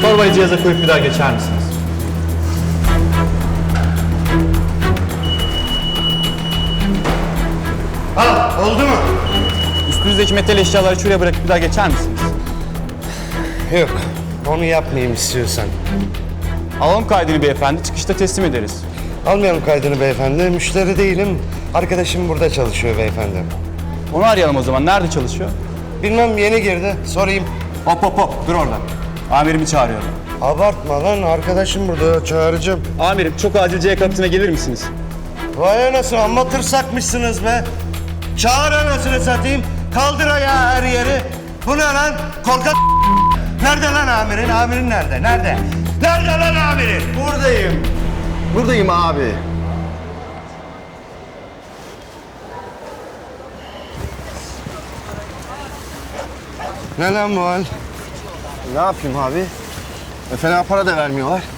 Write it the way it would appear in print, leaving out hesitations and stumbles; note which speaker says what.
Speaker 1: Torbayı cihaza koyup bir daha geçer misiniz?
Speaker 2: Al, oldu mu?
Speaker 1: Üstünüzdeki metal eşyaları şuraya bırakıp bir daha geçer misiniz?
Speaker 2: Yok, onu yapmayayım istiyorsan.
Speaker 1: Alalım kaydını beyefendi, çıkışta teslim ederiz.
Speaker 2: Almayalım kaydını beyefendi, müşteri değilim. Arkadaşım burada çalışıyor beyefendi.
Speaker 1: Onu arayalım o zaman. Nerede çalışıyor?
Speaker 2: Bilmem, yeni girdi, sorayım.
Speaker 1: Hop hop hop, dur orada. Amirimi çağırıyorum.
Speaker 2: Abartma lan, arkadaşım burada, çağıracağım.
Speaker 1: Amirim, çok acil C kapısına gelir misiniz?
Speaker 2: Vay anasını, amma tırsakmışsınız be. Çağır anasını satayım, kaldır ayağı her yeri. Bu ne lan, korkak. Nerede lan amirin, amirin nerede, nerede? Nerede lan amirin?
Speaker 3: Buradayım. Buradayım abi.
Speaker 2: Ne lan bu hal?
Speaker 3: Ne yapayım abi? Fena para da vermiyorlar.